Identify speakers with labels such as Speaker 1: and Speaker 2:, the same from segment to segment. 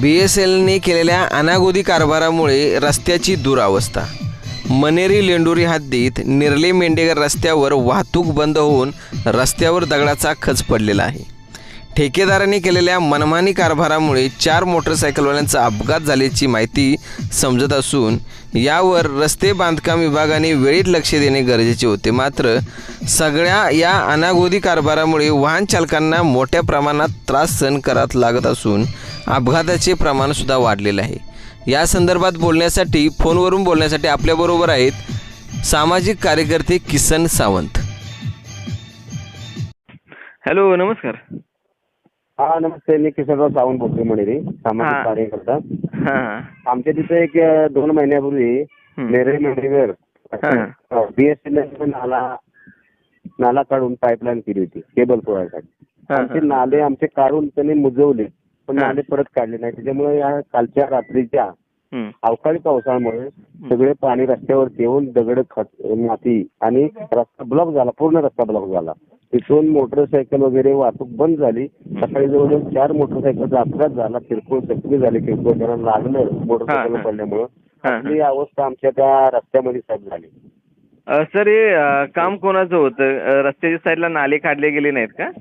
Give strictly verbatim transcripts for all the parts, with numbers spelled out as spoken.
Speaker 1: बी S एलने केलेल्या अनागोदी कारभारामुळे रस्त्याची दुरावस्था। मनेरी लेंडोरी हद्दीत निर्ले मेंढेकर रस्त्यावर वाहतूक बंद होऊन रस्त्यावर दगडाचा खच पडलेला आहे। ठेकेदारांनी केलेल्या मनमानी कारभारामुळे चार मोटरसायकलवाल्यांचा अपघात झाल्याची माहिती समजत असून यावर रस्ते बांधकाम विभागाने वेळीच लक्ष देणे गरजेचे होते। मात्र सगळ्या या अनागोदी कारभारामुळे वाहन चालकांना मोठ्या प्रमाणात त्रास सहन करावा लागत असून अपघाताचे प्रमाणसुद्धा वाढलेले आहे। या संदर्भात बोलण्यासाठी फोनवरून बोलण्यासाठी आपल्याबरोबर आहेत सामाजिक कार्यकर्ते किसन सावंत।
Speaker 2: हॅलो, नमस्कार।
Speaker 3: हा नमस्ते, मी किशोरराव सावंत बोलतोय मनेरी, सामाजिक कार्यकर्ता। आमच्या तिथे एक दोन महिन्यापूर्वी नेरे मेंढेकर बीएसएल नाला नाला काढून पाईपलाईन केली होती केबल पुरवण्यासाठी। आमचे नाले आमचे काढून त्यांनी मुजवले, पण नाले परत काढले नाही। त्याच्यामुळे या कालच्या रात्रीच्या अवकाळी पावसामुळे सगळे पाणी रस्त्यावरती येऊन दगड खत माती आणि रस्ता ब्लॉक झाला, पूर्ण रस्ता ब्लॉक झाला। तिथून मोटरसायकल वगैरे वाहतूक बंद झाली। सकाळी जवळजवळ चार मोटरसायकलचा अपघात झाला, किरकोळ जखमी झाले, किरकोळ त्यांना लागलं मोटरसायकल पडल्यामुळं। ही अवस्था आमच्या त्या रस्त्यामध्ये साहेब झाली।
Speaker 2: सर, हे काम कोणाचं होतं? रस्त्याच्या साईडला नाले काढले गेले नाहीत का?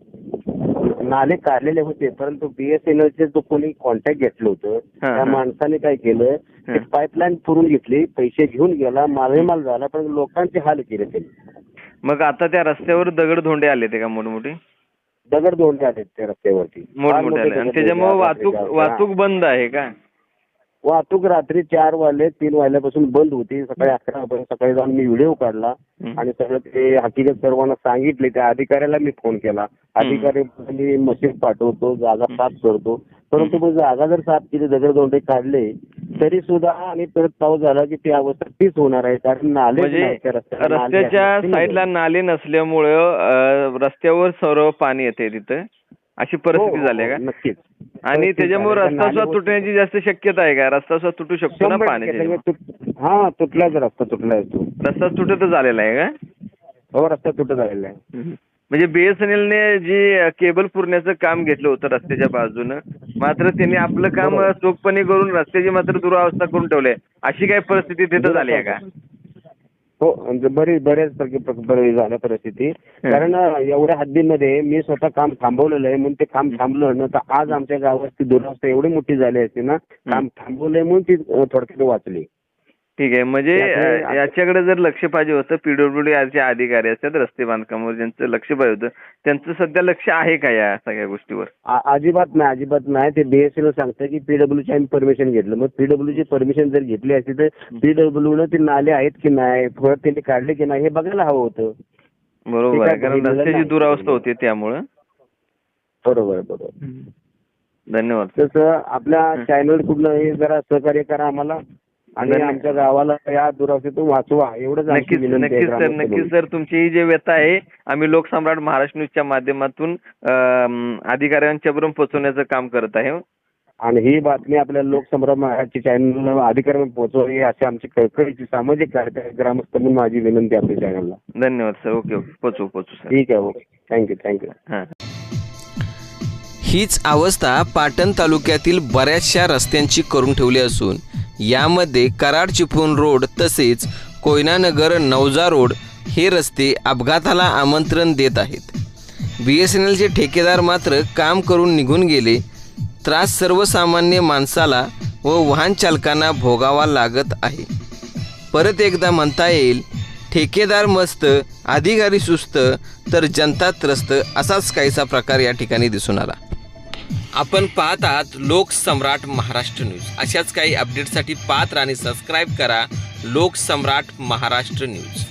Speaker 3: नाले काढलेले होते, परंतु बीएसएनएलचे जो कोणी कॉन्टॅक्ट घेतलं होतं त्या माणसाने काय केलं, ते पाईपलाईन पुरून घेतली, पैसे घेऊन गेला, मालमाल झाला, पण लोकांचे हाल केले त्यांनी।
Speaker 2: मग आता त्या रस्त्यावर दगड धोंडे आले ते का? मोठमोठे
Speaker 3: दगड धोंडे आले त्या रस्त्यावरती,
Speaker 2: मोठमोठे आले, आणि त्याच्यामुळे वाहतूक वाहतूक बंद आहे का?
Speaker 3: वाहतूक रात्री चार वाजले तीन वाजल्यापासून बंद होती। सकाळी अकरा वाजता सकाळी जाऊन मी व्हिडिओ काढला आणि सगळं ते हकीकत सर्वांना सांगितले। त्या अधिकाऱ्याला मी फोन केला, अधिकारी मी मशीन पाठवतो, जागा साफ करतो, परंतु मग जागा जर साफ केली, दगड दोंडे काढले तरी सुद्धा आणि परत पाऊस झाला की ती अवस्था तीच होणार आहे। कारण नाले
Speaker 2: रस्त्याच्या साईडला नाले नसल्यामुळं रस्त्यावर सर्व पाणी येते तिथं, अशी परिस्थिती झाली का?
Speaker 3: नक्कीच।
Speaker 2: आणि त्याच्यामुळे रस्ता सुद्धा तुटण्याची जास्त शक्यता आहे का? रस्ता सुद्धा तुटू शकतो ना पाण्याच्या?
Speaker 3: हा, तुटलाच रस्ता, तुटला आहे तो
Speaker 2: रस्ता तुटत झालेला आहे का?
Speaker 3: हो, रस्ता तुटत झालेला आहे।
Speaker 2: म्हणजे बीएसएनएलने जी केबल पुरण्याचं काम घेतलं होतं रस्त्याच्या बाजूनं, मात्र त्यांनी आपलं काम चोखपणे करून रस्त्याची मात्र दुरावस्था करून ठेवली, अशी काही परिस्थिती तिथं झाली आहे का?
Speaker 3: हो, बरीच बऱ्याच झाल्या परिस्थिती। कारण एवढ्या हद्दीमध्ये मी स्वतः काम थांबवलेलं आहे, म्हणून ते काम थांबलं ना तर आज आमच्या गावाची दुरावस्था एवढी मोठी झाली असते ना, काम थांबवलंय म्हणून ती थोडक्यात वाचली।
Speaker 2: ठीक आहे, म्हणजे याच्याकडे जर लक्ष पाहिजे होतं, पीडब्ल्यूडी अधिकारी असतात रस्ते बांधकामावर ज्यांचं लक्ष पाहिजे होतं, त्यांचं सध्या लक्ष आहे का या सगळ्या गोष्टीवर?
Speaker 3: अजिबात नाही, अजिबात नाही। ते बीएसएल सांगतं की पीडब्ल्यूची आम्ही परमिशन घेतलं, मग पीडब्ल्यूची परमिशन जर घेतली असती तर पीडब्ल्यूनं ते नाले आहेत की नाही, परत त्यांनी काढले की नाही हे बघायला हवं होतं।
Speaker 2: बरोबर आहे, कारण रस्त्याची दुरावस्था होती त्यामुळं।
Speaker 3: बरोबर बरोबर,
Speaker 2: धन्यवाद।
Speaker 3: तसं आपल्या चॅनल कुठलं हे जरा सहकार्य करा आम्हाला आणि आमच्या गावाला या दुरावस्थेतून वाचवा, एवढंच।
Speaker 2: नक्कीच नक्कीच सर, नक्कीच सर, तुमची जे व्यथा आहे आम्ही लोकसम्राट महाराष्ट्र न्यूजच्या माध्यमातून अधिकाऱ्यांच्या पर्यंत पोहोचवण्याचं काम करत आहे।
Speaker 3: आणि ही बातमी आपल्या लोकसम्राट महाराष्ट्र चॅनल अधिकाऱ्यांना पोहोचवावी अशी आमची कळकळीची सामाजिक कार्यकर्ते ग्रामस्थ म्हणून माझी विनंती आपल्या चॅनलला।
Speaker 2: धन्यवाद सर। ओके ओके, पोचू पोचू सर।
Speaker 3: ठीक आहे, ओके, थँक्यू थँक्यू।
Speaker 2: हां,
Speaker 1: हीच अवस्था पाटण तालुक्यातील बऱ्याचशा रस्त्यांची करून ठेवली असून यामध्ये कराड चिपळूण रोड तसेच कोयनानगर नवजा रोड हे रस्ते अपघाताला आमंत्रण देत आहेत। बी एस एन एलचे ठेकेदार मात्र काम करून निघून गेले, त्रास सर्वसामान्य माणसाला व वाहन चालकांना भोगावा लागत आहे। परत एकदा म्हणता येईल, ठेकेदार मस्त, अधिकारी सुस्त, तर जनता त्रस्त असाच काहीसा प्रकार या ठिकाणी दिसून आला। आपण पाहत आहात लोकसम्राट महाराष्ट्र न्यूज। अशाच काही अपडेटसाठी पाहत आणि सबस्क्राईब करा लोकसम्राट महाराष्ट्र न्यूज।